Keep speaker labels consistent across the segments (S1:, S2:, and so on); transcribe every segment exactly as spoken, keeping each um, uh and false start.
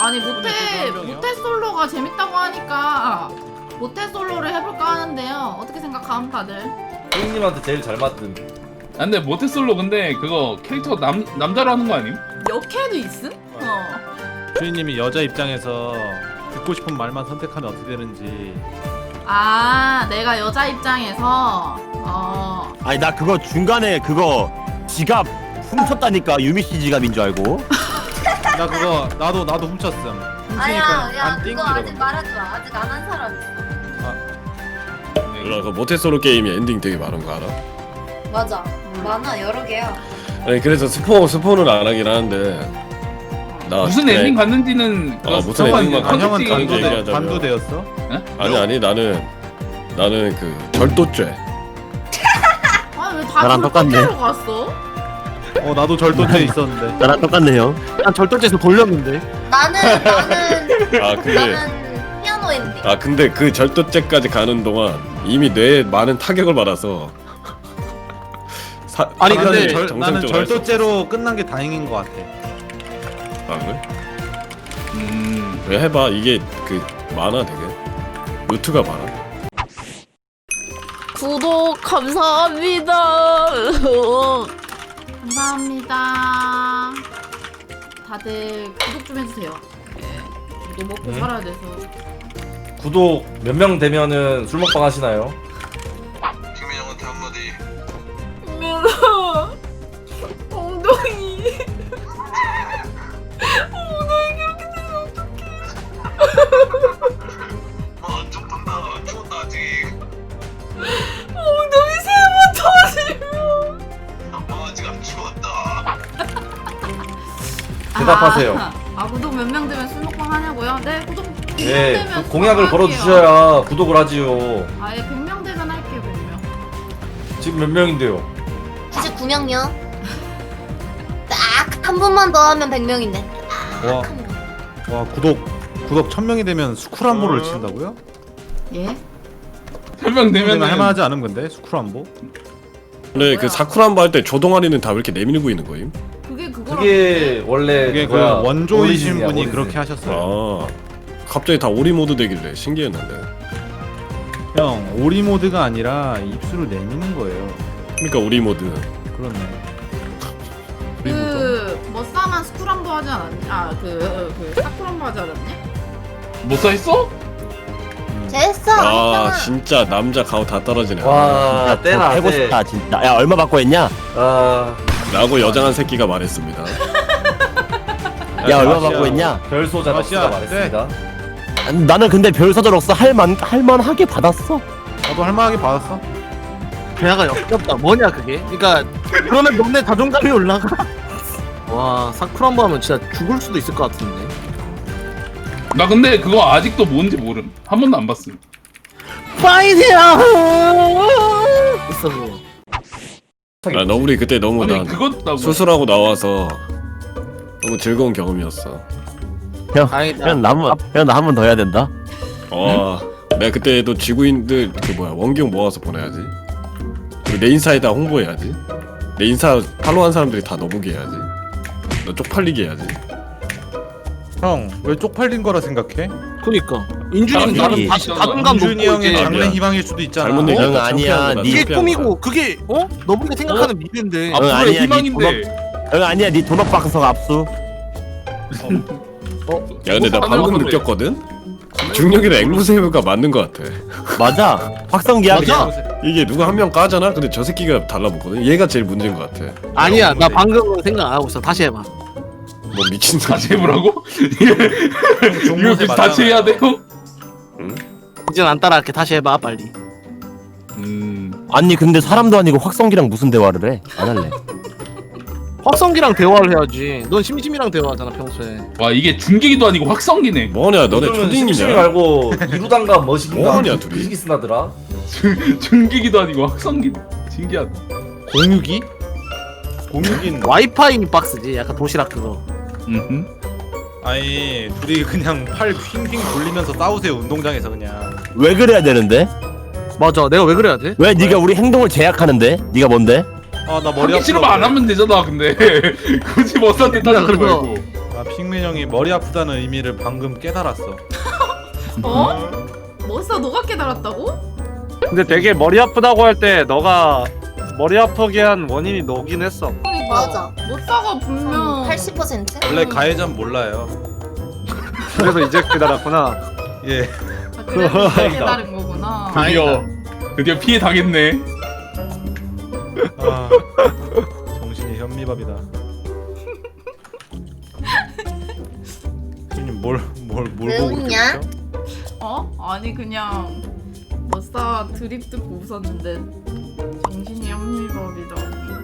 S1: 아니 모태 모태 솔로가 재밌다고 하니까 모태 솔로를 해볼까 하는데요. 어떻게 생각함 다들?
S2: 혜인님한테 제일 잘 맞든.
S3: 아, 근데 모태솔로 근데 그거 캐릭터 남 남자로 하는 거 아님?
S1: 역해도 있음? 어.
S4: 주인님이 여자 입장에서 듣고 싶은 말만 선택하면 어떻게 되는지.
S1: 아 내가 여자 입장에서 어.
S5: 아니 나 그거 중간에 그거 지갑 훔쳤다니까 유미 씨 지갑인 줄 알고.
S4: 나 그거 나도 나도 훔쳤음.
S6: 아야 야
S4: 안
S6: 그거
S4: 띵기라고.
S6: 아직 말하지 마. 아직 안 한 사람 있어.
S7: 몰라 그 모태솔로 게임이 엔딩 되게 많은 거 알아?
S6: 맞아. 많아 여러 개야.
S7: 아니 그래서 스포 스포는 안 하긴 하는데 나
S3: 무슨
S7: 그때-
S3: 엔딩 갔는지는
S7: 아, 무슨 엔딩
S4: 아, 형은
S7: 컨텐츠
S4: 단도
S7: 얘기하자면.
S4: 단도되었어?
S7: 아니 아니 나는 나는 그 절도죄.
S1: 아니 왜
S5: 나랑
S1: 다
S5: 똑같네.
S1: 그렇게로 갔어?
S4: 어 나도 절도죄 있었는데.
S5: 나랑 똑같네요.
S8: 난 절도죄에서 돌렸는데.
S6: 나는 나는
S7: 아 근데
S6: 나는 피아노 엔딩.
S7: 아 근데 그 절도죄까지 가는 동안 이미 뇌에 많은 타격을 받아서 사,
S8: 아니,
S4: 나는
S8: 근데
S4: 절, 나는
S7: 정상적으로 할수
S4: 절도죄로 끝난 게 다행인 것 같아.
S7: 없어. 아 그래?
S3: 음.
S7: 왜 해봐 이게 그 많아 되게 루트가 많아.
S9: 구독 감사합니다.
S1: 감사합니다. 다들 구독 좀 해주세요. 예. 우리도 먹고
S2: 네.
S1: 살아야 돼서.
S2: 구독 몇 명 되면은 술 먹방 하시나요?
S10: 김민 형한테 한마디.
S1: 미안하. 엉덩이. 엉덩이 그렇게 되면 어떡해.
S10: 아, 안쪽 본다. 추웠다 아직.
S1: 엉덩이 세 번 터지면.
S10: 아, 아직 안 추웠다.
S2: 대답하세요.
S1: 아, 아 구독 몇 명 되면 술 먹방 하냐고요? 네 구독 백 명
S2: 네,
S1: 되면
S2: 그 공약을
S1: 술 먹방 할게요.
S2: 걸어주셔야 구독을 하지요.
S1: 아예 백 명 되면 할게요 백 명.
S2: 지금 몇 명인데요?
S6: 구십구 명요. 딱 한 분만 더 하면 백 명인데.
S4: 와, 와 구독 구독 천 명이 되면 스쿨안보를 친다고요?
S1: 예?
S3: 설명되면
S4: 되면 할만하지 않은 건데 스쿨안보?
S7: 근데 그 사쿠란보 할 때 조동아리는 다 왜 이렇게 내밀고 있는 거임?
S1: 그게 그거랑
S2: 그게 원래
S4: 그게 그
S2: 그거야.
S4: 원조이신
S2: 오리진이야,
S4: 분이
S2: 오리진.
S4: 그렇게 하셨어요.
S7: 아 갑자기 다 오리 모드 되길래 신기했는데.
S4: 형 오리 모드가 아니라 입술을 내미는 거예요.
S7: 그러니까 오리 모드.
S4: 그렇네. 오리 모드.
S1: 그 머싸만 스쿨함도 하지 않았니? 아그 그 사쿠람도 하지 않았니?
S3: 못사 했어?
S6: 됐어.
S7: 아
S6: 했잖아.
S7: 진짜 남자 가오 다 떨어지네.
S2: 와, 때나
S5: 해고
S2: 때.
S5: 싶다 진짜. 야 얼마 받고 했냐?
S2: 아,
S7: 라고 여장한 새끼가 말했습니다.
S5: 야 얼마
S4: 마시아.
S5: 받고 했냐?
S2: 별소자
S4: 마시아,
S2: 덕수가 말했습니다.
S5: 아니, 나는 근데 별서절 없어 할만 할만하게 받았어.
S4: 나도 할만하게 받았어.
S8: 대화가 역겹다. 뭐냐 그게? 그러니까 그러면 너네 자존감이 올라가. 와 사쿠란보 하면 진짜 죽을 수도 있을 것 같은데.
S3: 나 근데 그거 아직도 뭔지 모름. 한 번도 안 봤음.
S8: 파이트야. 있어 그거.
S7: 아 너 우리 그때 너무
S3: 아니
S7: 나
S3: 그것도
S7: 수술하고 나와서 너무 즐거운 경험이었어.
S5: 형,
S8: 다행이다.
S5: 형 나한 형 나 한 번 더 해야 된다.
S7: 와 내가 그때도 지구인들 그 뭐야 원경 모아서 보내야지. 그리고 내 인사에다 홍보해야지. 내 인사 팔로우한 사람들이 다 너보게 해야지. 너 쪽팔리게 해야지.
S4: 형 왜 쪽팔린 거라 생각해?
S8: 그니까 인준이
S5: 사람들이
S8: 나는 자- 자존감 높고
S4: 인준이 형의
S8: 이제
S4: 장래 희망일 수도 있잖아.
S7: 잘못 얘기했다.
S5: 응, 아니야.
S7: 창피한 거다,
S5: 니-
S8: 이게
S7: 창피한
S8: 꿈이고
S7: 거다.
S8: 그게 어? 너무나 생각하는 미래인데.
S5: 응,
S3: 앞으로의
S5: 아니야, 니
S3: 희망인데.
S5: 형 아니야 네 도넛 박스 압수.
S7: 야 근데 나 방금
S3: 사람들한테.
S7: 느꼈거든? 중력이랑 앵무새가 맞는 거 같아.
S5: 맞아. 확성기야
S8: 맞아.
S5: 그냥.
S7: 이게 누가 한 명 까잖아? 근데 저 새끼가 달라붙거든? 얘가 제일 문제인 거 같아.
S8: 아니야 나 방금 생각 안 하고 있어. 다시 해봐.
S7: 뭐 미친 소리.
S3: 다시 해보라고? 이거
S4: 종모세
S3: 다시 해야 돼 형?
S8: 이젠 안 따라할게. 다시 해봐 빨리.
S3: 음.
S5: 아니 근데 사람도 아니고 확성기랑 무슨 대화를 해? 안 할래.
S8: 확성기랑 대화를 해야지. 넌 심심이랑 대화하잖아 평소에.
S3: 와 이게 중계기도 아니고 확성기네.
S7: 뭐냐 너네
S2: 요즘은 심심이
S7: 초딩이냐?
S2: 말고 이루단가 머신가
S7: 뭐하냐, 둘이?
S2: 그지기 쓰나더라.
S3: 중계기도 아니고 확성기네. 신기하다.
S4: 공유기? 공유기는
S8: 와이파이 박스지. 약간 도시락 그거.
S3: 음.
S4: 아니 둘이 그냥 팔 휭휭 돌리면서 싸우세요 운동장에서 그냥.
S5: 왜 그래야 되는데?
S8: 맞아. 내가 왜 그래야 돼?
S5: 왜 네가 우리 행동을 제약하는데? 네가 뭔데?
S4: 아 나 머리
S3: 하기 싫으면 안 하면 되잖아. 근데 굳이 머싸한테 따지지
S8: 그래서-
S3: 말고.
S4: 아 아 핑맨 형이 머리 아프다는 의미를 방금 깨달았어.
S1: 어? 멋사 너가 깨달았다고?
S8: 근데 되게 머리 아프다고 할 때 너가 머리 아프게 한 원인이 너긴 했어.
S6: 맞아.
S1: 멋사가 분명
S6: 팔십 퍼센트?
S4: 원래 가해자는 몰라요.
S8: 그래서 이제 깨달았구나.
S4: 예.
S1: 아, 그래서 이제 깨달은 거구나.
S3: 드디어 드디어 피해 당했네.
S4: 아, 정신이 현미밥이다. 형님 뭘뭘뭘
S6: 왜
S4: 보고
S6: 웃냐?
S4: 그러죠?
S1: 어? 아니 그냥 멋사 드립 듣고 웃었는데 정신이 현미밥이다.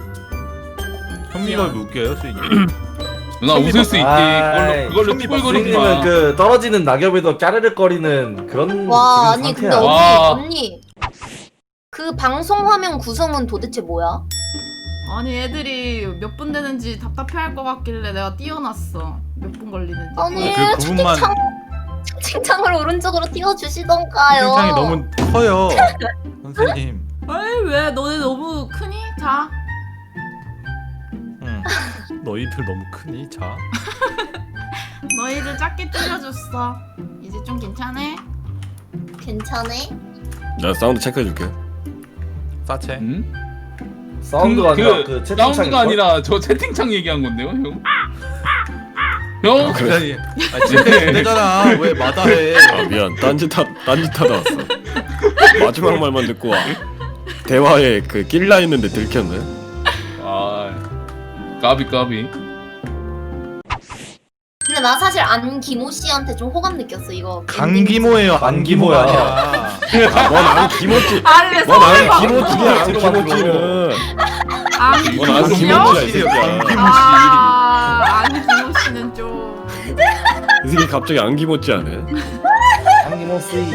S4: 현미밥이 웃겨요, 수인님?
S3: 누나 웃을 수 있게
S2: 아이,
S3: 그걸로 그걸로
S4: 현미밥
S3: 튜벌거리지
S2: 선생님은
S3: 마.
S2: 그 떨어지는 낙엽에도 까르륵거리는 그런
S6: 와,
S2: 지금
S6: 아니 근데
S2: 상태야.
S6: 언니,
S3: 와.
S6: 언니. 그 방송 화면 구성은 도대체 뭐야?
S1: 아니 애들이 몇 분 되는지 답답해할 것 같길래 내가 띄워놨어. 몇 분 걸리는지.
S6: 아니,
S4: 그 구분만
S6: 채팅창, 채팅창을 오른쪽으로 띄워주시던가요.
S4: 굉장히 너무 커요, 선생님.
S1: 에이 왜 너네 너무 크니? 자.
S4: 응. 너희들 너무 크니? 자.
S1: 너희들 작게 줄여줬어. 이제 좀 괜찮아?
S6: 괜찮네?
S7: 나 사운드 체크해줄게.
S4: 싸체.
S3: 응?
S2: 사운드가
S3: 그,
S2: 아니라
S3: 그
S2: 그 채팅창이
S3: 사운드가 아니라 저 채팅창 얘기한 건데요, 형. 형.
S7: 그래.
S4: 아니, 아 진짜 되잖아. 왜 마다해?
S7: 아 미안. 딴짓하 딴짓하다 왔어. 마지막 말만 듣고 와. 대화에 그 낄라 있는데 들켰네.
S3: 아, 까비 까비.
S6: 근데 나 사실 안기모 씨한테 좀 호감 느꼈어 이거.
S4: 강기모예요, 안기모야. 아니야.
S7: 넌안 김었지.
S1: 아니 왜
S7: 넌안
S1: 서울에
S7: 김었지야. 안
S2: 들어가,
S7: 김었지는.
S1: 안
S7: 넌안
S1: 김씨요?
S7: 김었지야 이 새끼야.
S1: 아, 안 김호 씨는 좀.
S7: 이 새끼 갑자기 안 김었지 않아?
S2: 안기모씨.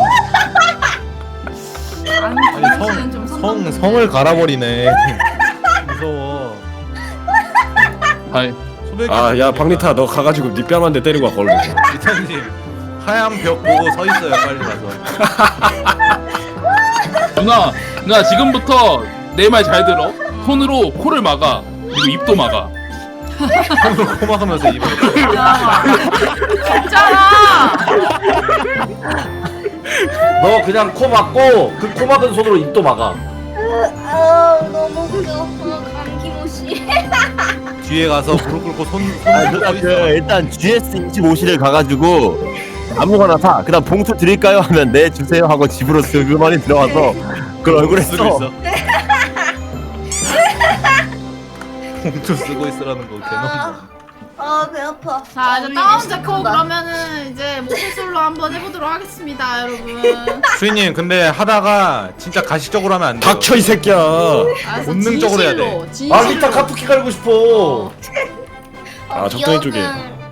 S1: 안
S4: 아니
S1: 김호 씨는 좀
S4: 성, 성
S1: 선동적이네.
S4: 성을 갈아버리네. 무서워.
S3: 하이.
S7: 아 야 박리타 너 가가지고 네 뺨 한 대 때리고 와 걸로.
S4: 리타님 하얀 벽 보고 서 있어요. 빨리 가서.
S3: 누나, 누나 지금부터 내 말 잘 들어. 손으로 코를 막아. 그리고 입도 막아.
S4: 손으로 코 막으면서 입을.
S1: 야, 진짜라.
S2: 너 그냥 코 막고 그 코 막은 손으로 입도 막아.
S6: 아 너무 웃겨. 어, 강기모 씨.
S4: 뒤에 가서 무릎 꿇고 손
S5: 아,
S4: 손
S5: 누나
S4: 서
S5: 그
S4: 있어.
S5: 일단 지에스 이십오실을 가가지고 아무거나 사. 그다음 봉투 드릴까요? 하면 네 주세요 하고 집으로 슬그머니 들어와서 그걸 얼굴에 써.
S4: 봉투 쓰고 있으라는 거 개놈.
S6: 아 배 아파.
S1: 자 이제
S6: 우리
S1: 다운
S6: 이제
S1: 데코
S6: 시작한다.
S1: 그러면은 이제 모태솔로 한번 해보도록 하겠습니다, 여러분.
S4: 수인님 근데 하다가 진짜 가식적으로 하면 안 돼요.
S7: 닥쳐 이 새끼야.
S1: 알았어,
S4: 본능적으로 해야 돼.
S1: 진실로, 진실로.
S2: 아 리타 카푸키 갈고 싶어.
S1: 어.
S7: 아 적당히 쪽에.
S6: 기억은